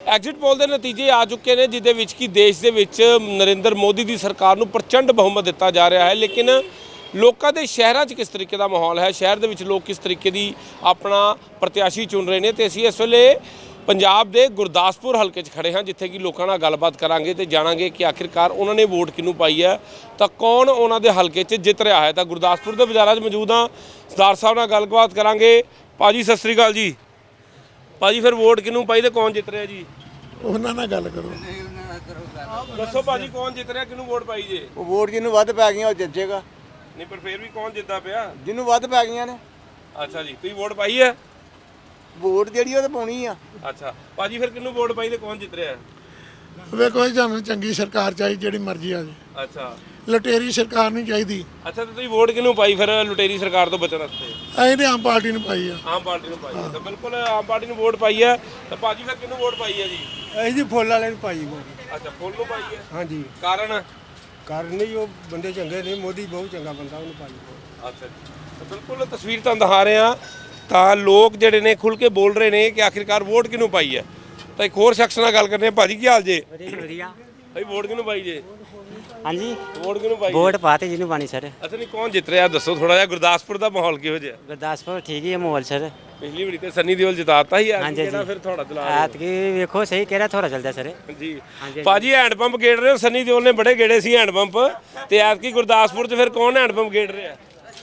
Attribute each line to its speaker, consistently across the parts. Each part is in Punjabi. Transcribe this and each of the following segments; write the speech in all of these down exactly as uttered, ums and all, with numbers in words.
Speaker 1: ਐਗਜ਼ਿਟ ਪੋਲ ਦੇ ਨਤੀਜੇ ਆ ਚੁੱਕੇ ਨੇ ਜਿਹਦੇ ਵਿੱਚ ਕਿ ਦੇਸ਼ ਦੇ ਵਿੱਚ ਨਰਿੰਦਰ ਮੋਦੀ ਦੀ ਸਰਕਾਰ ਨੂੰ ਪ੍ਰਚੰਡ ਬਹੁਮਤ ਦਿੱਤਾ ਜਾ ਰਿਹਾ ਹੈ। ਲੇਕਿਨ ਲੋਕਾਂ ਦੇ ਸ਼ਹਿਰਾਂ 'ਚ ਕਿਸ ਤਰੀਕੇ ਦਾ ਮਾਹੌਲ ਹੈ, ਸ਼ਹਿਰ ਦੇ ਵਿੱਚ ਲੋਕ ਕਿਸ ਤਰੀਕੇ ਦੀ ਆਪਣਾ ਪ੍ਰਤਿਆਸ਼ੀ ਚੁਣ ਰਹੇ ਨੇ, ਤੇ ਅਸੀਂ ਇਸ ਵੇਲੇ ਪੰਜਾਬ ਦੇ ਗੁਰਦਾਸਪੁਰ ਹਲਕੇ 'ਚ ਖੜੇ ਹਾਂ, ਜਿੱਥੇ ਕਿ ਲੋਕਾਂ ਨਾਲ ਗੱਲਬਾਤ ਕਰਾਂਗੇ ਤੇ ਜਾਣਾਂਗੇ ਕਿ ਆਖਿਰਕਾਰ ਉਹਨਾਂ ਨੇ ਵੋਟ ਕਿਹਨੂੰ ਪਾਈ ਹੈ, ਤਾਂ ਕੌਣ ਉਹਨਾਂ ਦੇ ਹਲਕੇ 'ਚ ਜਿੱਤ ਰਿਹਾ ਹੈ। ਤਾਂ ਗੁਰਦਾਸਪੁਰ ਦੇ ਬਾਜ਼ਾਰਾਂ 'ਚ ਮੌਜੂਦ ਹਾਂ, ਸਰਦਾਰ ਸਾਹਿਬ ਨਾਲ ਗੱਲਬਾਤ ਕਰਾਂਗੇ। ਭਾਜੀ ਸਤਿ ਸ੍ਰੀ ਅਕਾਲ ਜੀ। ਭਾਜੀ ਫਿਰ ਵੋਟ ਕਿਹਨੂੰ ਪਾਈ ਤੇ ਕੌਣ ਜਿੱਤ ਰਿਹਾ ਜੀ?
Speaker 2: ਉਹਨਾਂ ਨਾਲ ਗੱਲ ਕਰੋ।
Speaker 1: ਦੱਸੋ ਭਾਜੀ ਕੌਣ ਜਿੱਤ ਰਿਹਾ, ਕਿਹਨੂੰ ਵੋਟ ਪਾਈ ਜੇ?
Speaker 3: ਉਹ ਵੋਟ ਜਿਹਨੂੰ ਵੱਧ ਪੈ ਗਈਆਂ ਉਹ ਜਿੱਤ ਜਾਏਗਾ।
Speaker 1: ਨਹੀਂ ਪਰ ਫਿਰ ਵੀ ਕੌਣ ਜਿੱਤਦਾ ਪਿਆ?
Speaker 3: ਜਿਹਨੂੰ ਵੱਧ ਪੈ ਗਈਆਂ ਨੇ।
Speaker 1: ਅੱਛਾ ਜੀ, ਤੁਸੀਂ ਵੋਟ ਪਾਈ ਹੈ?
Speaker 3: ਵੋਟ ਜਿਹੜੀ ਉਹ ਤਾਂ ਪਾਉਣੀ ਆ।
Speaker 1: ਅੱਛਾ ਭਾਜੀ ਫਿਰ ਕਿਹਨੂੰ ਵੋਟ ਪਾਈ ਤੇ ਕੌਣ ਜਿੱਤ ਰਿਹਾ?
Speaker 2: ਵੇਖੋ ਜੀ, ਸਾਨੂੰ ਚੰਗੀ ਸਰਕਾਰ ਚਾਹੀਦੀ, ਜਿਹੜੀ ਮਰਜ਼ੀ ਆ ਜੇ।
Speaker 1: ਅੱਛਾ
Speaker 2: ਲਟੇਰੀ ਸਰਕਾਰ ਨਹੀਂ ਚਾਹੀਦੀ।
Speaker 1: ਅੱਛਾ ਤੇ ਤੁਸੀਂ ਵੋਟ ਕਿਹਨੂੰ ਪਾਈ ਫਿਰ ਲੁਟੇਰੀ ਸਰਕਾਰ ਤੋਂ ਬਚਣ ਵਾਸਤੇ?
Speaker 2: ਅਸੀਂ ਤੇ ਆਮ ਪਾਰਟੀ ਨੂੰ ਪਾਈ ਆ।
Speaker 1: ਆਮ ਪਾਰਟੀ ਨੂੰ ਪਾਈ ਹੈ। ਤਾਂ ਬਿਲਕੁਲ ਆਮ ਪਾਰਟੀ ਨੂੰ ਵੋਟ ਪਾਈ ਹੈ। ਤਾਂ ਭਾਜੀ ਫਿਰ ਕਿਹਨੂੰ ਵੋਟ ਪਾਈ ਹੈ ਜੀ?
Speaker 4: ਅਸੀਂ ਜੀ ਫੁੱਲ ਵਾਲੇ ਨੂੰ ਪਾਈ ਵੋਟ।
Speaker 1: ਅੱਛਾ ਫੁੱਲ ਨੂੰ ਪਾਈ ਹੈ।
Speaker 4: ਹਾਂਜੀ,
Speaker 1: ਕਾਰਨ?
Speaker 4: ਕਾਰਨ ਨਹੀਂ, ਉਹ ਬੰਦੇ ਚੰਗੇ ਨੇ, ਮੋਦੀ ਬਹੁਤ ਚੰਗਾ ਬੰਦਾ, ਉਹਨੂੰ ਪਾਈ ਵੋਟ।
Speaker 1: ਅੱਛਾ ਜੀ, ਤਾਂ ਬਿਲਕੁਲ ਤਸਵੀਰ ਤੁਹਾਨੂੰ ਦਿਖਾ ਰਹੇ ਹਾਂ। ਤਾਂ ਲੋਕ ਜਿਹੜੇ ਨੇ ਖੁੱਲ ਕੇ ਬੋਲ ਰਹੇ ਨੇ ਕਿ ਆਖਿਰਕਾਰ ਵੋਟ ਕਿਹਨੂੰ ਪਾਈ ਹੈ। ਤਾਂ ਇੱਕ ਹੋਰ ਸ਼ਖਸ ਨਾਲ ਗੱਲ ਕਰਨੇ ਆ। ਭਾਜੀ ਕੀ ਹਾਲ ਜੇ?
Speaker 5: ਵਧੀਆ।
Speaker 1: ਭਾਈ ਵੋਟ ਕਿਹਨੂੰ ਪਾਈ ਜੇ?
Speaker 5: ਹਾਂਜੀ
Speaker 1: ਵੋਟ ਕਿਹਨੂੰ ਪਾਈ?
Speaker 5: ਵੋਟ ਪਾਤੇ ਜਿਹਨੂੰ ਪਾਣੀ ਸਰ।
Speaker 1: ਅੱਛਾ ਨਹੀਂ ਕੌਣ ਜਿੱਤ ਰਿਹਾ ਦੱਸੋ ਥੋੜਾ ਜਿਹਾ। ਗੁਰਦਾਸਪੁਰ ਦਾ ਮਾਹੌਲ ਕਿਹੋ ਜਿਹਾ?
Speaker 5: ਗੁਰਦਾਸਪੁਰ ਠੀਕ ਹੀ ਹੈ ਮਾਹੌਲ ਸਰ।
Speaker 1: ਪਿਛਲੀ ਵਾਰੀ ਤੇ ਸੰਨੀ ਦਿਓਲ ਜਿਤਾਤਾ ਹੀ ਆ।
Speaker 5: ਹਾਂਜੀ
Speaker 1: ਕਿਹੜਾ ਫਿਰ ਥੋੜਾ ਚਲਾ ਰਿਹਾ?
Speaker 5: ਐਤਕੀ ਵੇਖੋ ਸਹੀ ਕਿਹੜਾ ਥੋੜਾ ਚੱਲਦਾ ਸਰ।
Speaker 1: ਜੀ ਭਾਜੀ ਹੈਂਡ ਪੰਪ ਗੇੜ ਰਹੇ ਹੋ। ਸੰਨੀ ਦਿਓਲ ਨੇ ਬੜੇ ਗੇੜੇ ਸੀ ਹੈਂਡ ਪੰਪ, ਤੇ ਐਤਕੀ ਗੁਰਦਾਸਪੁਰ 'ਚ ਫਿਰ ਕੌਣ ਹੈਂਡ ਪੰਪ ਗੇੜ ਰਿਹਾ?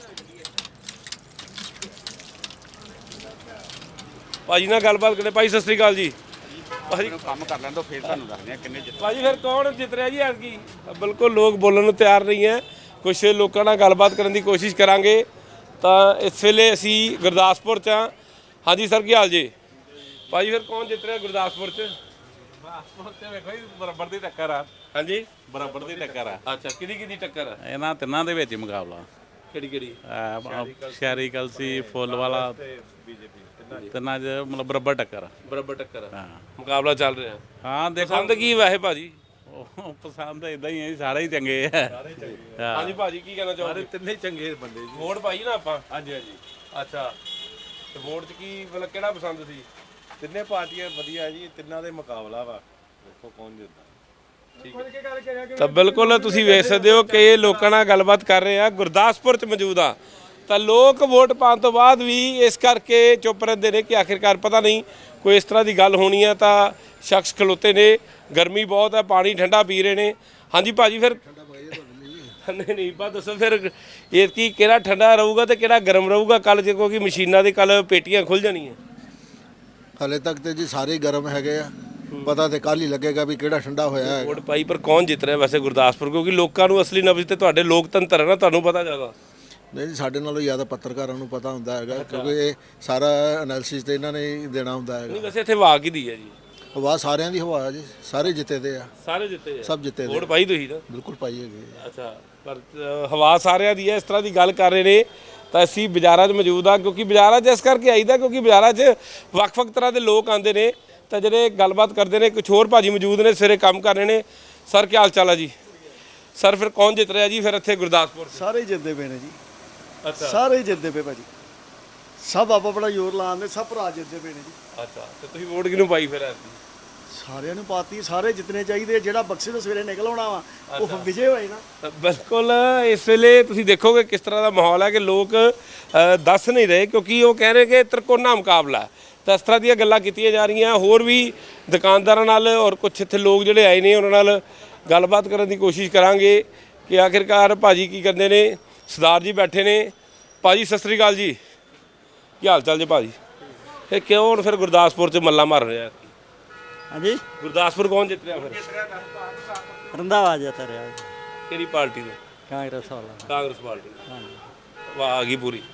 Speaker 1: ਭਾਜੀ ਨਾਲ ਗੱਲਬਾਤ ਕਰਦੇ। ਭਾਈ ਸਤਿ ਸ੍ਰੀ ਅਕਾਲ ਜੀ। ਭਾਜੀ
Speaker 6: ਕੰਮ ਕਰ ਲੈਣ ਤੋਂ ਫਿਰ ਤੁਹਾਨੂੰ ਦੱਸਦੇ ਆ ਕਿੰਨੇ ਜਿੱਤ।
Speaker 1: ਭਾਜੀ ਫਿਰ ਕੌਣ ਜਿੱਤ ਰਿਹਾ ਜੀ ਐਤਕੀ? ਬਿਲਕੁਲ ਲੋਕ ਬੋਲਣ ਨੂੰ ਤਿਆਰ ਨਹੀਂ ਹੈ। ਕੁਝ ਲੋਕਾਂ ਨਾਲ ਗੱਲਬਾਤ ਕਰਨ ਦੀ ਕੋਸ਼ਿਸ਼ ਕਰਾਂਗੇ। ਤਾਂ ਇਸ ਵੇਲੇ ਅਸੀਂ ਗੁਰਦਾਸਪੁਰ 'ਚ ਹਾਂ। ਹਾਂਜੀ ਸਰ ਕੀ ਹਾਲ ਜੀ? ਭਾਜੀ ਫਿਰ ਕੌਣ ਜਿੱਤ ਰਿਹਾ ਗੁਰਦਾਸਪੁਰ 'ਚ?
Speaker 6: ਗੁਰਦਾਸਪੁਰ ਤੇ ਵੇਖੋ ਜੀ ਬਰਾਬਰ ਦੀ ਟੱਕਰ ਆ।
Speaker 1: ਹਾਂਜੀ
Speaker 6: ਬਰਾਬਰ ਦੀ ਟੱਕਰ ਆ।
Speaker 1: ਅੱਛਾ ਕਿਹਦੀ ਕਿਹਦੀ ਟੱਕਰ ਆ?
Speaker 6: ਇਹਨਾਂ ਤਿੰਨਾਂ ਦੇ ਵਿੱਚ ਹੀ ਮੁਕਾਬਲਾ।
Speaker 1: ਕਿਹੜੀ ਕਿਹੜੀ?
Speaker 6: ਸ਼ਹਿਰੀ ਕਲਸੀ ਫੁੱਲ ਵਾਲਾ ਤਿੰਨਾਂ 'ਚ ਮਤਲਬ ਬਰਾਬਰ ਟੱਕਰ ਆ।
Speaker 1: ਬਰਾਬਰ ਟੱਕਰ ਆ।
Speaker 6: ਹਾਂ
Speaker 1: ਮੁਕਾਬਲਾ ਚੱਲ ਰਿਹਾ।
Speaker 6: ਹਾਂ ਦੇਖੋ
Speaker 1: ਪਸੰਦ ਕੀ ਵੈਸੇ ਭਾਜੀ?
Speaker 6: ਉਹ ਪਸੰਦ ਇਦਾਂ ਹੀ ਹੈ ਜੀ, ਸਾਰੇ ਹੀ ਚੰਗੇ ਆ। ਹਾਂ
Speaker 1: ਹਾਂਜੀ ਭਾਜੀ ਕੀ ਕਹਿਣਾ ਚਾਹੋਗੇ?
Speaker 6: ਤਿੰਨੇ ਚੰਗੇ ਬੰਦੇ ਜੀ।
Speaker 1: ਵੋਟ ਪਾਈ ਨਾ ਆਪਾਂ?
Speaker 6: ਹਾਂਜੀ ਹਾਂਜੀ
Speaker 1: ਅੱਛਾ ਤੇ ਵੋਟ 'ਚ ਕੀ ਮਤਲਬ ਕਿਹੜਾ ਪਸੰਦ ਸੀ?
Speaker 6: ਤਿੰਨੇ ਪਾਰਟੀਆਂ ਵਧੀਆ ਜੀ, ਤਿੰਨਾਂ ਦੇ ਮੁਕਾਬਲਾ ਵਾ। ਦੇਖੋ ਕੌਣ ਜਿੱਤਦਾ।
Speaker 1: ਤਾਂ ਬਿਲਕੁਲ ਤੁਸੀਂ ਵੇਖ ਸਕਦੇ ਹੋ ਕਿ ਇਹ ਲੋਕਾਂ ਨਾਲ ਗੱਲਬਾਤ ਕਰ ਰਹੇ ਆ। ਗੁਰਦਾਸਪੁਰ 'ਚ ਮੌਜੂਦ ਆ। ਤਾਂ ਲੋਕ ਵੋਟ ਪਾਉਣ ਤੋਂ ਬਾਅਦ ਵੀ ਇਸ ਕਰਕੇ ਚੁੱਪ ਰਹਿੰਦੇ ਨੇ ਕਿ ਆਖਿਰਕਾਰ ਪਤਾ ਨਹੀਂ ਕੋਈ ਇਸ ਤਰ੍ਹਾਂ ਦੀ ਗੱਲ ਹੋਣੀ ਆ। ਤਾਂ ਸ਼ਖਸ ਖਲੋਤੇ ਨੇ, ਗਰਮੀ ਬਹੁਤ ਹੈ, ਪਾਣੀ ਠੰਡਾ ਪੀ ਰਹੇ ਨੇ। ਹਾਂਜੀ ਭਾਜੀ ਫਿਰ ਨਹੀਂ ਨਹੀਂ ਬਾ ਦੱਸੋ ਫਿਰ ਇਹ ਕੀ ਕਿਹੜਾ ਠੰਡਾ ਰਹੂਗਾ ਤੇ ਕਿਹੜਾ ਗਰਮ ਰਹੂਗਾ ਕੱਲ, ਜੇ ਕਿਉਂਕਿ ਮਸ਼ੀਨਾਂ ਦੇ ਕੱਲ ਪੇਟੀਆਂ ਖੁੱਲ ਜਾਣੀਆਂ।
Speaker 7: ਹਲੇ ਤੱਕ ਤੇ ਜੀ ਸਾਰੇ ਗਰਮ ਹੈਗੇ ਆ, ਪਤਾ ਤੇ ਕੱਲ ਹੀ ਲੱਗੇਗਾ ਵੀ ਕਿਹੜਾ ਠੰਡਾ ਹੋਇਆ ਹੈ।
Speaker 1: ਵੋਟ ਪਾਈ ਪਰ ਕੌਣ ਜਿੱਤ ਰਿਹਾ ਵੈਸੇ ਗੁਰਦਾਸਪੁਰ? ਕਿਉਂਕਿ ਲੋਕਾਂ ਨੂੰ ਅਸਲੀ ਨਬਜ਼ ਤੇ ਤੁਹਾਡੇ ਲੋਕਤੰਤਰ ਹੈ ਨਾ, ਤੁਹਾਨੂੰ ਪਤਾ ਜ਼ਿਆਦਾ।
Speaker 7: ਨਹੀਂ ਜੀ, ਸਾਡੇ ਨਾਲੋਂ ਜ਼ਿਆਦਾ ਪੱਤਰਕਾਰਾਂ ਨੂੰ ਪਤਾ ਹੁੰਦਾ ਹੈਗਾ, ਕਿਉਂਕਿ ਇਹ ਸਾਰਾ ਐਨਾਲਿਸਿਸ ਤੇ ਇਹਨਾਂ ਨੇ ਹੀ ਦੇਣਾ ਹੁੰਦਾ
Speaker 1: ਨਹੀਂ
Speaker 7: ਹੈਗਾ।
Speaker 1: ਵੈਸੇ ਇੱਥੇ ਹਵਾ ਕਿਹਦੀ ਹੈ ਜੀ?
Speaker 7: ਹਵਾ ਸਾਰਿਆਂ ਦੀ ਹਵਾ ਹੈ ਜੀ, ਸਾਰੇ ਜਿੱਤੇ ਦੇ ਆ।
Speaker 1: ਸਾਰੇ ਜਿੱਤੇ ਆ?
Speaker 7: ਸਭ ਜਿੱਤੇ ਦੇ।
Speaker 1: ਵੋਟ ਪਾਈ ਤੁਸੀਂ ਤਾਂ?
Speaker 7: ਬਿਲਕੁਲ ਪਾਈ ਹੈਗੀ ਹੈ।
Speaker 1: ਅੱਛਾ ਪਰ ਅ, ਹਵਾ ਸਾਰਿਆਂ ਦੀ ਹੈ, ਇਸ ਤਰ੍ਹਾਂ ਦੀ ਗੱਲ ਕਰ ਰਹੇ ਨੇ। ਤਾਂ ਅਸੀਂ ਬਾਜ਼ਾਰਾਂ 'ਚ ਮੌਜੂਦ ਆ, ਕਿਉਂਕਿ ਬਾਜ਼ਾਰਾਂ 'ਚ ਇਸ ਕਰਕੇ ਆਈਦਾ ਕਿਉਂਕਿ ਬਾਜ਼ਾਰਾਂ 'ਚ ਵੱਖ-ਵੱਖ ਤਰ੍ਹਾਂ ਦੇ ਲੋਕ ਆਉਂਦੇ ਨੇ। ਤਾਂ ਜਿਹੜੇ ਗੱਲਬਾਤ ਕਰਦੇ ਨੇ, ਕੁਛ ਹੋਰ ਭਾਜੀ ਮੌਜੂਦ ਨੇ, ਸਵੇਰੇ ਕੰਮ ਕਰ ਰਹੇ ਨੇ। ਸਰ ਕੀ ਹਾਲ ਚਾਲ ਆ ਜੀ? ਸਰ ਫਿਰ ਕੌਣ ਜਿੱਤ ਰਿਹਾ ਜੀ ਫਿਰ ਇੱਥੇ ਗੁਰਦਾਸਪੁਰ?
Speaker 8: ਸਾਰੇ ਹੀ ਜਿੱਤਦੇ ਪਏ ਨੇ ਜੀ।
Speaker 1: ਅੱਛਾ
Speaker 8: ਸਾਰੇ ਹੀ ਜਿੱਤਦੇ ਪਏ ਭਾਜੀ, ਸਭ ਆਪਾ ਬੜਾ ਜ਼ੋਰ ਲਾਉਂਦੇ, ਸਭ ਭਰਾ ਜਿੱਤਦੇ ਪਏ ਨੇ ਜੀ।
Speaker 1: ਅੱਛਾ ਤੇ ਤੁਸੀਂ ਵੋਟ ਕਿਹਨੂੰ ਪਾਈ ਫਿਰ ਐਤਕੀ?
Speaker 8: ਸਾਰਿਆਂ ਨੂੰ ਪਾਤੀ, ਸਾਰੇ ਜਿੱਤਣੇ ਚਾਹੀਦੇ। ਜਿਹੜਾ ਬਕਸੇ ਤੋਂ ਸਵੇਰੇ ਨਿਕਲ ਆਉਣਾ ਵਾ ਉਹ ਵਿਜੇ ਹੋਏ ਨਾ।
Speaker 1: ਤਾਂ ਬਿਲਕੁਲ ਇਸ ਵੇਲੇ ਤੁਸੀਂ ਦੇਖੋਗੇ ਕਿਸ ਤਰ੍ਹਾਂ ਦਾ ਮਾਹੌਲ ਹੈ ਕਿ ਲੋਕ ਅ, ਦੱਸ ਨਹੀਂ ਰਹੇ, ਕਿਉਂਕਿ ਉਹ ਕਹਿ ਰਹੇ ਕਿ ਤਿਰਕੋਣਾ ਮੁਕਾਬਲਾ ਹੈ। ਤਾਂ ਇਸ ਤਰ੍ਹਾਂ ਦੀਆਂ ਗੱਲਾਂ ਕੀਤੀਆਂ ਜਾ ਰਹੀਆਂ। ਹੋਰ ਵੀ ਦੁਕਾਨਦਾਰਾਂ ਨਾਲ ਔਰ ਕੁਛ ਇੱਥੇ ਲੋਕ ਜਿਹੜੇ ਆਏ ਨੇ ਉਹਨਾਂ ਨਾਲ ਗੱਲਬਾਤ ਕਰਨ ਦੀ ਕੋਸ਼ਿਸ਼ ਕਰਾਂਗੇ ਕਿ ਆਖਿਰਕਾਰ ਭਾਜੀ ਕੀ ਕਰਦੇ ਨੇ। ਸਰਦਾਰ ਜੀ ਬੈਠੇ ਨੇ। ਭਾਜੀ ਸਤਿ ਸ੍ਰੀ ਅਕਾਲ ਜੀ, ਕੀ ਹਾਲ ਚਾਲ ਜੀ ਭਾਜੀ? ਇਹ ਕਿਉਂ ਹੁਣ ਫਿਰ ਗੁਰਦਾਸਪੁਰ 'ਚ ਮੱਲਾ ਮਾਰ ਰਿਹਾ?
Speaker 5: ਹਾਂਜੀ
Speaker 1: ਗੁਰਦਾਸਪੁਰ ਕੌਣ ਜਿੱਤ ਰਿਹਾ ਫਿਰ?
Speaker 5: ਰੰਧਾਵਾ ਜਿੱਤ ਰਿਹਾ।
Speaker 1: ਕਿਹੜੀ ਪਾਰਟੀ ਤੋਂ?
Speaker 5: ਕਾਂਗਰਸ ਵਾਲਾ।
Speaker 1: ਕਾਂਗਰਸ ਪਾਰਟੀ।
Speaker 5: ਹਾਂਜੀ
Speaker 1: ਵਾਹ ਆ ਗਈ ਪੂਰੀ।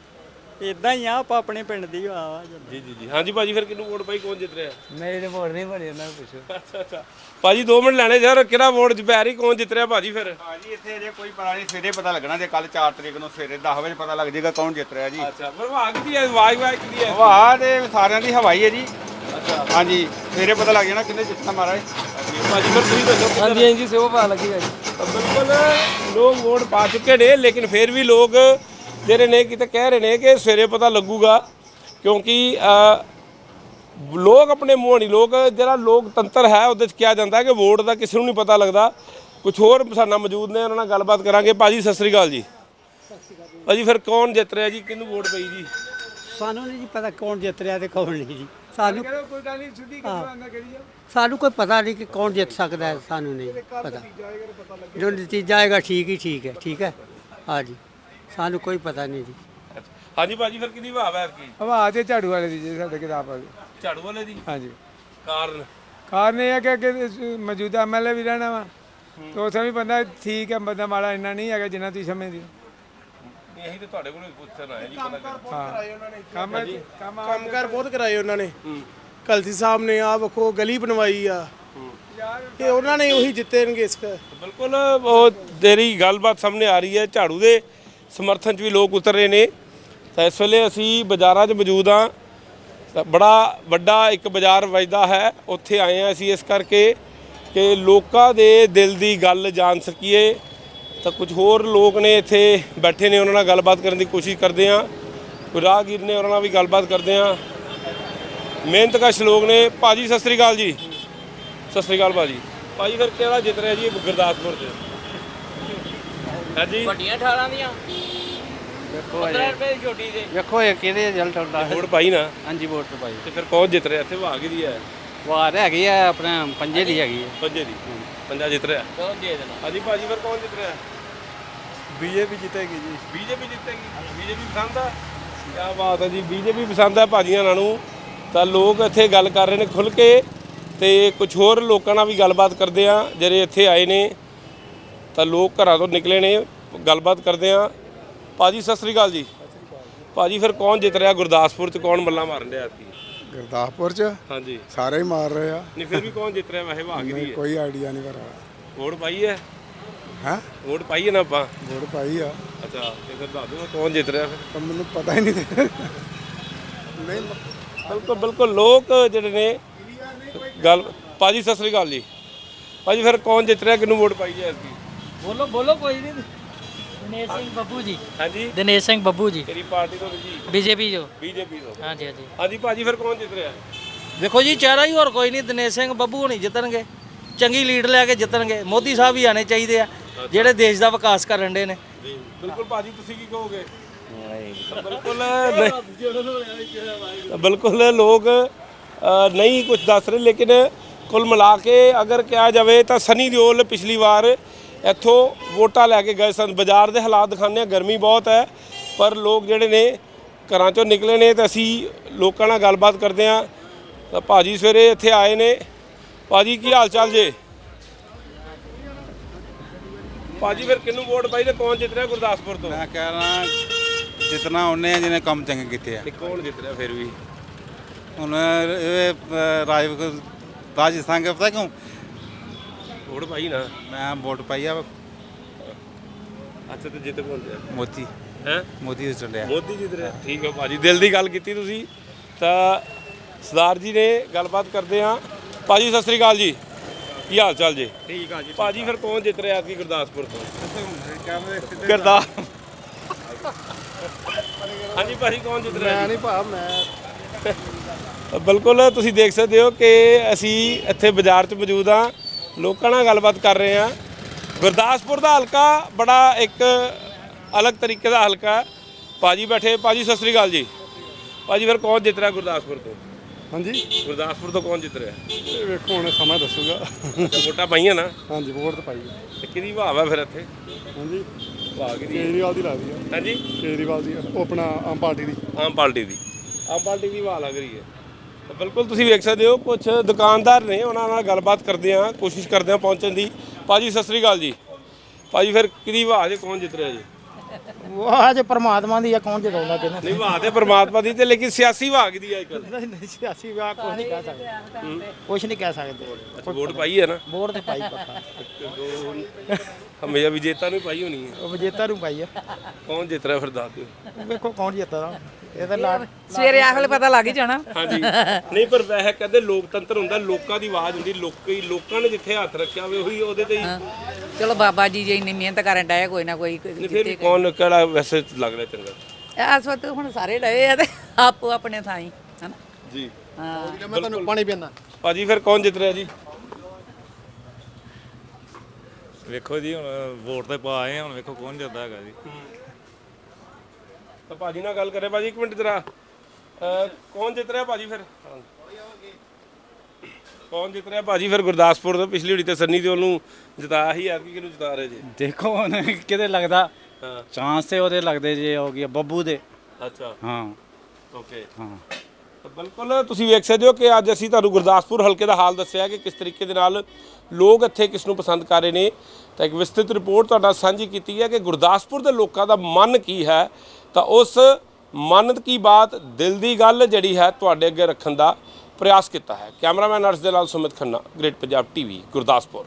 Speaker 5: ਇਦਾਂ ਹੀ ਆ, ਆਪਾਂ ਆਪਣੇ ਪਿੰਡ ਦੀ ਆ।
Speaker 1: ਜੀ ਜੀ ਜੀ ਹਾਂਜੀ ਭਾਜੀ ਫਿਰ ਕਿਹਨੂੰ ਵੋਟ ਪਾਈ, ਕੌਣ ਜਿੱਤ ਰਿਹਾ?
Speaker 5: ਮੇਰੇ ਨੇ ਵੋਟ ਨਹੀਂ ਬਣੀ, ਉਹਨਾਂ ਨੂੰ ਪੁੱਛੋ।
Speaker 1: ਅੱਛਾ ਅੱਛਾ ਭਾਜੀ ਦੋ ਮਿੰਟ ਲੈਣੇ ਯਾਰ, ਕਿਹੜਾ ਵੋਟ ਚ ਪੈ ਰਹੀ, ਕੌਣ ਜਿੱਤ ਰਿਹਾ ਭਾਜੀ ਫਿਰ?
Speaker 6: ਹਾਂਜੀ ਇੱਥੇ ਅਜੇ ਕੋਈ ਪਤਾ ਨਹੀਂ, ਸਵੇਰੇ ਪਤਾ ਲੱਗਣਾ ਜੇ ਕੱਲ ਚਾਰ ਤਰੀਕ ਨੂੰ ਸਵੇਰੇ ਦਸ ਵਜੇ ਪਤਾ ਲੱਗ ਜਾਏਗਾ ਕੌਣ ਜਿੱਤ ਰਿਹਾ ਜੀ।
Speaker 1: ਅੱਛਾ ਫਿਰ ਵਾਹ ਕਿਹਦੀ ਹੈ? ਆਵਾਜ਼ ਵਾਜ਼ ਕਿਹਦੀ ਹੈ?
Speaker 6: ਵਾਹ ਤੇ ਸਾਰਿਆਂ ਦੀ ਹਵਾਈ ਹੈ ਜੀ।
Speaker 1: ਅੱਛਾ
Speaker 6: ਹਾਂਜੀ ਸਵੇਰੇ ਪਤਾ ਲੱਗ ਜਾਣਾ ਕਿੰਨੇ ਜਿੱਤਣਾ ਮਹਾਰਾਜ।
Speaker 1: ਭਾਜੀ ਫਿਰ ਤੁਸੀਂ ਦੱਸੋ।
Speaker 5: ਹਾਂਜੀ ਹਾਂਜੀ ਸੇਵਾ ਪਾ ਲੱਗੇਗਾ ਜੀ।
Speaker 1: ਤਾਂ ਬਿਲਕੁਲ ਲੋਕ ਵੋਟ ਪਾ ਚੁੱਕੇ ਨੇ, ਲੇਕਿਨ ਫਿਰ ਵੀ ਲੋਕ ਜਿਹੜੇ ਨੇ ਕਿਤੇ ਕਹਿ ਰਹੇ ਨੇ ਕਿ ਸਵੇਰੇ ਪਤਾ ਲੱਗੂਗਾ, ਕਿਉਂਕਿ ਲੋਕ ਆਪਣੇ ਮੂੰਹ ਨਹੀਂ, ਲੋਕ ਜਿਹੜਾ ਲੋਕਤੰਤਰ ਹੈ ਉਹਦੇ 'ਚ ਕਿਹਾ ਜਾਂਦਾ ਕਿ ਵੋਟ ਦਾ ਕਿਸੇ ਨੂੰ ਨਹੀਂ ਪਤਾ ਲੱਗਦਾ। ਕੁਝ ਹੋਰ ਸਾਡੇ ਨਾਲ ਮੌਜੂਦ ਨੇ, ਉਹਨਾਂ ਨਾਲ ਗੱਲਬਾਤ ਕਰਾਂਗੇ। ਭਾਜੀ ਸਤਿ ਸ੍ਰੀ ਅਕਾਲ ਜੀ। ਭਾਜੀ ਫਿਰ ਕੌਣ ਜਿੱਤ ਰਿਹਾ ਜੀ, ਕਿਹਨੂੰ ਵੋਟ ਪਈ ਜੀ?
Speaker 9: ਸਾਨੂੰ ਨਹੀਂ ਜੀ ਪਤਾ ਕੌਣ ਜਿੱਤ ਰਿਹਾ ਤੇ ਕੌਣ ਨਹੀਂ ਜੀ। ਸਾਨੂੰ
Speaker 4: ਕੋਈ ਗੱਲ ਨਹੀਂ, ਸਿੱਧੀ ਗੱਲ ਕਰੀ ਜਾ।
Speaker 9: ਸਾਨੂੰ ਕੋਈ ਪਤਾ ਨਹੀਂ ਕਿ ਕੌਣ ਜਿੱਤ ਸਕਦਾ ਹੈ, ਸਾਨੂੰ ਨਹੀਂ ਪਤਾ। ਜੋ ਨਤੀਜਾ ਆਏਗਾ ਠੀਕ ਹੀ ਠੀਕ ਹੈ, ਠੀਕ ਹੈ ਹਾਂਜੀ, ਸਾਨੂੰ ਕੋਈ ਪਤਾ ਨਹੀਂ ਜੀ।
Speaker 1: ਹਾਂਜੀ ਭਾਜੀ ਫਿਰ ਕਿਹਦੀ ਭਾਵ ਹੈ ਕੀ?
Speaker 4: ਹਵਾ ਤੇ ਝਾੜੂ ਵਾਲੇ ਦੀ ਜੀ, ਸਾਡੇ ਕਿਤਾਬ ਵਾਲੀ।
Speaker 1: ਝਾੜੂ ਵਾਲੇ ਦੀ?
Speaker 4: ਹਾਂਜੀ।
Speaker 1: ਕਾਰਨ?
Speaker 4: ਕਾਰਨ ਇਹ ਹੈ ਕਿ ਅੱਗੇ ਮੌਜੂਦਾ ਐਮ ਐਲ ਏ ਵੀ ਰਹਿਣਾ ਵਾ, ਤੇ ਉੱਥੇ ਵੀ ਬੰਦਾ ਠੀਕ ਹੈ, ਬੰਦਾ ਮਾੜਾ ਇੰਨਾ ਨਹੀਂ ਹੈਗਾ ਜਿੰਨਾ ਤੁਸੀਂ ਸਮਝਦੇ ਹੋ।
Speaker 1: ਇਹੀ ਤੇ ਤੁਹਾਡੇ ਕੋਲ ਪੁੱਛਣ ਆਇਆ ਜੀ। ਪਤਾ ਕਰ
Speaker 4: ਕੰਮ ਕੰਮ
Speaker 10: ਕੰਮਕਾਰ ਬਹੁਤ ਕਰਾਏ ਉਹਨਾਂ ਨੇ। ਕਲਸੀ ਸਾਹਿਬ ਨੇ ਆ ਵੇਖੋ ਗਲੀ ਬਣਵਾਈ ਆ, ਇਹ ਉਹਨਾਂ ਨੇ ਉਹੀ ਜਿੱਤਣਗੇ ਇਸ ਕਰ।
Speaker 1: ਬਿਲਕੁਲ ਉਹ ਤੇਰੀ ਗੱਲਬਾਤ ਸਾਹਮਣੇ ਆ ਰਹੀ ਹੈ। ਝਾੜੂ ਦੇ ਸਮਰਥਨ 'ਚ ਵੀ ਲੋਕ ਉਤਰ ਰਹੇ ਨੇ। ਤਾਂ ਇਸ ਵੇਲੇ ਅਸੀਂ ਬਾਜ਼ਾਰਾਂ 'ਚ ਮੌਜੂਦ ਹਾਂ। ਤਾਂ ਬੜਾ ਵੱਡਾ ਇੱਕ ਬਾਜ਼ਾਰ ਵੱਜਦਾ ਹੈ, ਉੱਥੇ ਆਏ ਹਾਂ ਅਸੀਂ ਇਸ ਕਰਕੇ ਕਿ ਲੋਕਾਂ ਦੇ ਦਿਲ ਦੀ ਗੱਲ ਜਾਣ ਸਕੀਏ। ਤਾਂ ਕੁਝ ਹੋਰ ਲੋਕ ਨੇ ਇੱਥੇ ਬੈਠੇ ਨੇ, ਉਹਨਾਂ ਨਾਲ ਗੱਲਬਾਤ ਕਰਨ ਦੀ ਕੋਸ਼ਿਸ਼ ਕਰਦੇ ਹਾਂ। ਕੋਈ ਰਾਹਗੀਰ ਨੇ, ਉਹਨਾਂ ਨਾਲ ਵੀ ਗੱਲਬਾਤ ਕਰਦੇ ਹਾਂ। ਮਿਹਨਤਕਸ਼ ਲੋਕ ਨੇ। ਭਾਜੀ ਸਤਿ ਸ੍ਰੀ ਅਕਾਲ ਜੀ। ਸਤਿ ਸ੍ਰੀ ਅਕਾਲ ਭਾਜੀ। ਭਾਜੀ ਫਿਰ ਕਿਹੜਾ ਜਿੱਤ ਰਿਹਾ ਜੀ ਗੁਰਦਾਸਪੁਰ 'ਚ? ਹਾਂਜੀ
Speaker 5: ਵੱਡੀਆਂ ਅਠਾਰਾਂ ਦੀਆਂ ਪੰਦਰਾਂ ਰੁਪਏ ਦੀ ਛੋਟੀ ਦੇ। ਵੇਖੋ ਇਹ ਕਿਹਦੇ ਰਿਜ਼ਲਟ ਹੁੰਦਾ।
Speaker 1: ਵੋਟ ਪਾਈ ਨਾ?
Speaker 5: ਹਾਂਜੀ ਵੋਟ ਪਾਈ।
Speaker 1: ਤੇ ਫਿਰ ਕੌਣ ਜਿੱਤ ਰਿਹਾ ਇੱਥੇ? ਵਾਹ ਕਿਹਦੀ ਹੈ?
Speaker 5: ਵਾਰ ਹੈਗੀ ਆ ਆਪਣੇ ਪੰਜੇ ਦੀ ਹੈਗੀ ਹੈ।
Speaker 1: ਪੰਜੇ ਦੀ? ਪੰਜਾ ਜਿੱਤ ਰਿਹਾ।
Speaker 5: ਚਲੋ ਦੇ ਦੇਣਾ।
Speaker 1: ਹਾਂਜੀ ਭਾਜੀ ਫਿਰ ਕੌਣ ਜਿੱਤ ਰਿਹਾ?
Speaker 4: ਬੀਜੇਪੀ ਜਿੱਤੇਗੀ ਜੀ।
Speaker 1: ਬੀਜੇਪੀ ਜਿੱਤੇਗੀ? ਬੀਜੇਪੀ ਪਸੰਦ ਆ? ਕਿਆ ਬਾਤ ਹੈ ਜੀ, ਬੀਜੇਪੀ ਪਸੰਦ ਹੈ ਭਾਜੀਆਂ ਨਾਲ ਨੂੰ। ਤਾਂ ਲੋਕ ਇੱਥੇ ਗੱਲ ਕਰ ਰਹੇ ਨੇ ਖੁੱਲ੍ਹ ਕੇ, ਤੇ ਕੁਝ ਹੋਰ ਲੋਕਾਂ ਨਾਲ ਵੀ ਗੱਲਬਾਤ ਕਰਦੇ ਆ ਜਿਹੜੇ ਇੱਥੇ ਆਏ ਨੇ। ਤਾਂ ਲੋਕ ਘਰਾਂ ਤੋਂ ਨਿਕਲੇ ਨੇ, ਗੱਲਬਾਤ ਕਰਦੇ ਆ। ਭਾਜੀ ਸਤਿ ਸ੍ਰੀ ਅਕਾਲ ਜੀ। ਭਾਜੀ ਫਿਰ ਕੌਣ ਜਿੱਤ ਰਿਹਾ ਗੁਰਦਾਸਪੁਰ 'ਚ? ਕੌਣ ਮੱਲਾਂ ਮਾਰਨ ਰਿਹਾ ਐਤਕੀ?
Speaker 2: ਗੁਰਦਾਸਪੁਰ ਚ
Speaker 1: ਹਾਂਜੀ
Speaker 2: ਸਾਰੇ ਹੀ ਮਾਰ ਰਹੇ ਆ।
Speaker 1: ਨਹੀਂ ਫਿਰ ਵੀ ਕੌਣ ਜਿੱਤ ਰਿਹਾ ਵੈਸੇ? ਵਾਹ ਕਿਹਦੀ ਹੈ?
Speaker 2: ਕੋਈ ਆਈਡੀਆ ਨਹੀਂ ਪਰ
Speaker 1: ਵੋਟ ਪਾਈ ਹੈ?
Speaker 2: ਹਾਂ
Speaker 1: ਵੋਟ ਪਾਈ ਹੈ ਨਾ ਆਪਾਂ?
Speaker 2: ਵੋਟ ਪਾਈ ਆ,
Speaker 1: ਅੱਛਾ ਤੇ ਫਿਰ ਦੱਸ ਦਿਓ ਕੌਣ ਜਿੱਤ ਰਿਹਾ ਫਿਰ।
Speaker 2: ਪਰ ਮੈਨੂੰ ਪਤਾ ਹੀ ਨਹੀਂ ਨਹੀਂ
Speaker 1: ਬਿਲਕੁਲ ਬਿਲਕੁਲ ਲੋਕ ਜਿਹੜੇ ਨੇ ਗੱਲ। ਭਾਜੀ ਸਤਿ ਸ੍ਰੀ ਅਕਾਲ ਜੀ। ਭਾਜੀ ਫਿਰ ਕੌਣ ਜਿੱਤ ਰਿਹਾ, ਕਿਹਨੂੰ ਵੋਟ ਪਾਈ ਹੈ ਐਤਕੀ?
Speaker 5: ਬੋਲੋ ਬੋਲੋ ਕੋਈ ਨਹੀਂ। ਦਿਨੇਸ਼ ਸਿੰਘ ਬੱਬੂ ਜੀ।
Speaker 1: ਹਾਂਜੀ
Speaker 5: ਦਿਨੇਸ਼ ਸਿੰਘ ਬੱਬੂ ਜੀ
Speaker 1: ਤੇਰੀ ਪਾਰਟੀ ਤੋਂ ਜੀ?
Speaker 5: ਬੀਜੇਪੀ ਜੋ।
Speaker 1: ਬੀਜੇਪੀ ਤੋਂ?
Speaker 5: ਹਾਂਜੀ ਹਾਂਜੀ।
Speaker 1: ਹਾਂਜੀ ਭਾਜੀ ਫਿਰ ਕੌਣ ਜਿੱਤ ਰਿਹਾ?
Speaker 5: ਵੇਖੋ ਜੀ ਚਿਹਰਾ ਹੀ ਹੋਰ ਕੋਈ ਨਹੀਂ। ਦਿਨੇਸ਼ ਸਿੰਘ ਬੱਬੂ ਨਹੀਂ ਜਿੱਤਣਗੇ, ਚੰਗੀ ਲੀਡ ਲੈ ਕੇ ਜਿੱਤਣਗੇ। ਮੋਦੀ ਸਾਹਿਬ ਵੀ ਆਣੇ ਚਾਹੀਦੇ ਆ ਜਿਹੜੇ ਦੇਸ਼ ਦਾ ਵਿਕਾਸ ਕਰਨ ਦੇ ਨੇ।
Speaker 1: ਜੀ ਬਿਲਕੁਲ ਭਾਜੀ ਤੁਸੀਂ ਕੀ ਕਹੋਗੇ? ਬਿਲਕੁਲ ਬਿਲਕੁਲ ਲੋਕ ਅ, ਨਹੀਂ ਕੁਝ ਦੱਸ ਰਹੇ, ਲੇਕਿਨ ਕੁੱਲ ਮਿਲਾ ਕੇ ਅਗਰ ਕਿਹਾ ਜਾਵੇ ਤਾਂ ਸਨੀ ਦਿਓਲ ਪਿਛਲੀ ਵਾਰ ਇੱਥੋਂ ਵੋਟਾਂ ਲੈ ਕੇ ਗਏ ਸਨ। ਬਾਜ਼ਾਰ ਦੇ ਹਾਲਾਤ ਦਿਖਾਉਂਦੇ ਆ, ਗਰਮੀ ਬਹੁਤ ਹੈ, ਪਰ ਲੋਕ ਜਿਹੜੇ ਨੇ ਘਰਾਂ ਚੋਂ ਨਿਕਲੇ ਨੇ। ਤਾਂ ਅਸੀਂ ਲੋਕਾਂ ਨਾਲ ਗੱਲਬਾਤ ਕਰਦੇ ਹਾਂ। ਤਾਂ ਭਾਜੀ ਸਵੇਰੇ ਇੱਥੇ ਆਏ ਨੇ। ਭਾਜੀ ਕੀ ਹਾਲ ਚਾਲ ਜੇ? ਭਾਜੀ ਫਿਰ ਕਿਹਨੂੰ ਵੋਟ ਪਾਈ ਤੇ ਕੌਣ ਜਿੱਤ ਰਿਹਾ ਗੁਰਦਾਸਪੁਰ ਤੋਂ?
Speaker 11: ਮੈਂ ਕਹਿ ਰਹਾ ਜਿਤਨਾ ਉਹਨੇ ਆ ਜਿਹਨੇ ਕੰਮ ਚੰਗੇ ਕੀਤੇ ਆ।
Speaker 1: ਤੇ ਕੌਣ ਜਿੱਤ ਰਿਹਾ ਫਿਰ ਵੀ?
Speaker 11: ਹੁਣ ਇਹ ਰਾਜ ਰਾਜਸਥਾਨ ਕੇ ਪਤਾ ਕਿਉਂ
Speaker 1: ਵੋਟ ਪਾਈ ਨਾ?
Speaker 11: ਮੈਂ ਵੋਟ ਪਾਈ ਆ
Speaker 1: ਅੱਛਾ ਤੇ ਜਿੱਤ ਕੌਣ ਰਿਹਾ?
Speaker 11: ਮੋਦੀ
Speaker 1: ਹੈ
Speaker 11: ਮੋਦੀ ਚੱਲਿਆ।
Speaker 1: ਮੋਦੀ ਜਿੱਤ ਰਿਹਾ। ਠੀਕ ਹੈ ਭਾਜੀ, ਦਿਲ ਦੀ ਗੱਲ ਕੀਤੀ ਤੁਸੀਂ। ਤਾਂ ਸਰਦਾਰ ਜੀ ਨੇ ਗੱਲਬਾਤ ਕਰਦੇ ਹਾਂ। ਭਾਜੀ ਸਤਿ ਸ੍ਰੀ ਅਕਾਲ ਜੀ। ਕੀ ਹਾਲ ਚਾਲ ਜੀ?
Speaker 4: ਠੀਕ ਆ ਜੀ।
Speaker 1: ਭਾਜੀ ਫਿਰ ਕੌਣ ਜਿੱਤ ਰਿਹਾ ਐਤਕੀ ਗੁਰਦਾਸਪੁਰ ਤੋਂ? ਗੁਰਦਾਸ ਹਾਂਜੀ ਭਾਜੀ ਕੌਣ ਜਿੱਤ ਰਿਹਾ?
Speaker 2: ਮੈਂ ਨਹੀਂ ਭਾ ਮੈਂ
Speaker 1: ਬਿਲਕੁਲ ਤੁਸੀਂ ਦੇਖ ਸਕਦੇ ਹੋ ਕਿ ਅਸੀਂ ਇੱਥੇ ਬਾਜ਼ਾਰ 'ਚ ਮੌਜੂਦ ਹਾਂ, ਲੋਕਾਂ ਨਾਲ ਗੱਲਬਾਤ ਕਰ ਰਹੇ ਹਾਂ। ਗੁਰਦਾਸਪੁਰ ਦਾ ਹਲਕਾ ਬੜਾ ਇੱਕ ਅਲੱਗ ਤਰੀਕੇ ਦਾ ਹਲਕਾ। ਭਾਜੀ ਬੈਠੇ। ਭਾਜੀ ਸਤਿ ਸ੍ਰੀ ਅਕਾਲ ਜੀ। ਭਾਜੀ ਫਿਰ ਕੌਣ ਜਿੱਤ ਰਿਹਾ ਗੁਰਦਾਸਪੁਰ ਤੋਂ?
Speaker 2: ਹਾਂਜੀ
Speaker 1: ਗੁਰਦਾਸਪੁਰ ਤੋਂ ਕੌਣ ਜਿੱਤ ਰਿਹਾ?
Speaker 2: ਇਹ ਵੇਖੋ ਹੁਣ ਸਮਾਂ ਦੱਸੂਗਾ।
Speaker 1: ਅੱਛਾ, ਵੋਟਾਂ ਪਾਈਆਂ ਨਾ?
Speaker 2: ਹਾਂਜੀ ਵੋਟ ਤਾਂ ਪਾਈ
Speaker 1: ਤੇ ਕਿਹਦੀ ਭਾਵ ਹੈ ਫਿਰ ਇੱਥੇ?
Speaker 2: ਹਾਂਜੀ
Speaker 1: ਭਾਵ ਕਿਹਦੀ?
Speaker 2: ਕੇਜਰੀਵਾਲ ਦੀ ਲੱਗਦੀ ਆ।
Speaker 1: ਹਾਂਜੀ
Speaker 2: ਕੇਜਰੀਵਾਲ ਦੀ ਉਹ ਆਪਣਾ ਆਮ ਪਾਰਟੀ ਦੀ।
Speaker 1: ਆਮ ਪਾਰਟੀ ਦੀ? ਆਮ ਪਾਰਟੀ ਦੀ ਭਾਅ ਲੱਗ ਰਹੀ ਹੈ। ਤਾਂ ਬਿਲਕੁਲ ਤੁਸੀਂ ਵੇਖ ਸਕਦੇ ਹੋ ਕੁਝ ਦੁਕਾਨਦਾਰ ਨੇ, ਉਹਨਾਂ ਨਾਲ ਗੱਲਬਾਤ ਕਰਦੇ ਹਾਂ, ਕੋਸ਼ਿਸ਼ ਕਰਦੇ ਹਾਂ ਪਹੁੰਚਣ ਦੀ। ਭਾਜੀ ਸਤਿ ਸ੍ਰੀ ਅਕਾਲ ਜੀ। ਭਾਜੀ ਫਿਰ ਕਿਹਦੀ ਭਾਅ ਜੇ ਕੌਣ ਜਿੱਤ ਰਿਹਾ ਜੀ?
Speaker 9: ਵਾਹ ਜੇ ਪਰਮਾਤਮਾ ਦੀ ਆ, ਕੌਣ ਜਿਤਾਉਂਦਾ ਕਿਹਨੂੰ?
Speaker 1: ਨਹੀਂ ਭਾਅ ਤੇ ਪਰਮਾਤਮਾ ਦੀ, ਤੇ ਲੇਕਿਨ ਸਿਆਸੀ ਭਾਅ ਕਿਹਦੀ ਹੈ ਅੱਜ ਕੱਲ੍ਹ?
Speaker 9: ਨਹੀਂ ਨਹੀਂ ਸਿਆਸੀ ਵਿਆਹ ਕੁਝ ਨਹੀਂ ਕਹਿ ਸਕਦੇ, ਕੁਝ ਨਹੀਂ ਕਹਿ ਸਕਦੇ।
Speaker 1: ਅੱਛਾ ਵੋਟ ਪਾਈ ਹੈ ਨਾ?
Speaker 9: ਵੋਟ ਤੇ ਪਾਈ ਪੱਕਾ,
Speaker 1: ਹਮੇਸ਼ਾ ਵਿਜੇਤਾ ਨੂੰ ਪਾਈ ਹੋਣੀ ਹੈ।
Speaker 9: ਉਹ ਵਿਜੇਤਾ ਨੂੰ ਪਾਈ ਆ।
Speaker 1: ਕੌਣ ਜਿੱਤ ਰਿਹਾ ਫਿਰ ਦੱਸ ਦਿਓ।
Speaker 9: ਵੇਖੋ ਕੌਣ ਜਿੱਤਦਾ ਇਹਦਾ ਲਾੜ।
Speaker 12: ਸਵੇਰੇ ਆਖ ਵੇਲੇ ਪਤਾ ਲੱਗ ਹੀ ਜਾਣਾ।
Speaker 1: ਹਾਂਜੀ ਨਹੀਂ ਪਰ ਵੈਸੇ ਕਹਿੰਦੇ ਲੋਕਤੰਤਰ ਹੁੰਦਾ, ਲੋਕਾਂ ਦੀ ਆਵਾਜ਼ ਹੁੰਦੀ। ਲੋਕੀ ਲੋਕਾਂ ਨੇ ਜਿੱਥੇ ਹੱਥ ਰੱਖਿਆ ਹੋਵੇ ਉਹੀ ਉਹਦੇ ਤੇ ਹੀ।
Speaker 12: ਚਲੋ ਬਾਬਾ ਜੀ ਜੇ ਇੰਨੀ ਮਿਹਨਤ ਕਰਨ ਡਏ ਕੋਈ ਨਾ ਕੋਈ
Speaker 1: ਨਹੀਂ ਫਿਰ ਵੀ ਕੌਣ ਕਿਹੜਾ ਵੈਸੇ ਲੱਗ ਰਿਹਾ ਚੰਗਾ?
Speaker 12: ਇਸ ਵਕਤ ਹੁਣ ਸਾਰੇ ਡਏ ਆ ਤੇ ਆਪੋ ਆਪਣੇ ਥਾਈ ਹਨਾ
Speaker 1: ਜੀ।
Speaker 12: ਹਾਂ
Speaker 8: ਮੈਂ ਤੁਹਾਨੂੰ ਪਾਣੀ ਪੀਣਾ।
Speaker 1: ਭਾਜੀ ਫਿਰ ਕੌਣ ਜਿੱਤ ਰਿਹਾ ਜੀ?
Speaker 11: ਵੇਖੋ ਜੀ ਹੁਣ ਵੋਟ ਤੇ ਪਾ ਆਏ ਆ, ਹੁਣ ਵੇਖੋ ਕੌਣ ਜਿੱਤਦਾ ਹੈਗਾ ਜੀ।
Speaker 1: ਤਾਂ ਭਾਜੀ ਨਾਲ ਗੱਲ ਕਰੇ। ਭਾਜੀ ਇੱਕ ਮਿੰਟ ਜਰਾ, ਅਹ ਕੌਣ ਜਿੱਤ ਰਿਹਾ ਭਾਜੀ ਫਿਰ? ਕੌਣ ਜਿੱਤ ਰਿਹਾ ਭਾਜੀ ਫਿਰ ਗੁਰਦਾਸਪੁਰ ਤੋਂ? ਪਿਛਲੀ ਵਾਰੀ ਤੇ ਸੰਨੀ ਦਿਓਲ ਨੂੰ ਜਿਤਾਇਆ ਸੀ, ਐਤਕੀ ਕਿਹਨੂੰ ਜਿਤਾ ਰਹੇ ਜੀ?
Speaker 6: ਦੇਖੋ ਹੁਣ ਕਿਤੇ ਲੱਗਦਾ
Speaker 1: ਹਾਂ
Speaker 6: ਚਾਂਸ ਤੇ ਉਹਦੇ ਲੱਗਦੇ ਜੇ ਹੋ ਗਿਆ ਬੱਬੂ ਦੇ।
Speaker 1: ਅੱਛਾ
Speaker 6: ਹਾਂ
Speaker 1: ਓਕੇ।
Speaker 6: ਹਾਂ
Speaker 1: ਤਾਂ ਬਿਲਕੁਲ ਤੁਸੀਂ ਵੇਖ ਸਕਦੇ ਹੋ ਕਿ ਅੱਜ ਅਸੀਂ ਤੁਹਾਨੂੰ ਗੁਰਦਾਸਪੁਰ ਹਲਕੇ ਦਾ ਹਾਲ ਦੱਸਿਆ ਕਿ ਕਿਸ ਤਰੀਕੇ ਦੇ ਨਾਲ ਲੋਕ ਇੱਥੇ ਕਿਸ ਨੂੰ ਪਸੰਦ ਕਰ ਰਹੇ ਨੇ। ਤਾਂ ਇੱਕ ਵਿਸਤ੍ਰਿਤ ਰਿਪੋਰਟ ਤੁਹਾਡਾ ਸਾਂਝੀ ਕੀਤੀ ਹੈ ਕਿ ਗੁਰਦਾਸਪੁਰ ਦੇ ਲੋਕਾਂ ਦਾ ਮਨ ਕੀ ਹੈ। ਤਾਂ ਉਸ ਮਨ ਕੀ ਬਾਤ, ਦਿਲ ਦੀ ਗੱਲ ਜਿਹੜੀ ਹੈ ਤੁਹਾਡੇ ਅੱਗੇ ਰੱਖਣ ਦਾ ਪ੍ਰयास ਕੀਤਾ ਹੈ। ਕੈਮਰਾਮੈਨ ਅਰਸ਼ ਦੇ ਨਾਲ ਸੁਮਿਤ ਖੰਨਾ, ਗ੍ਰੇਟ ਪੰਜਾਬ ਟੀਵੀ, ਗੁਰਦਾਸਪੁਰ।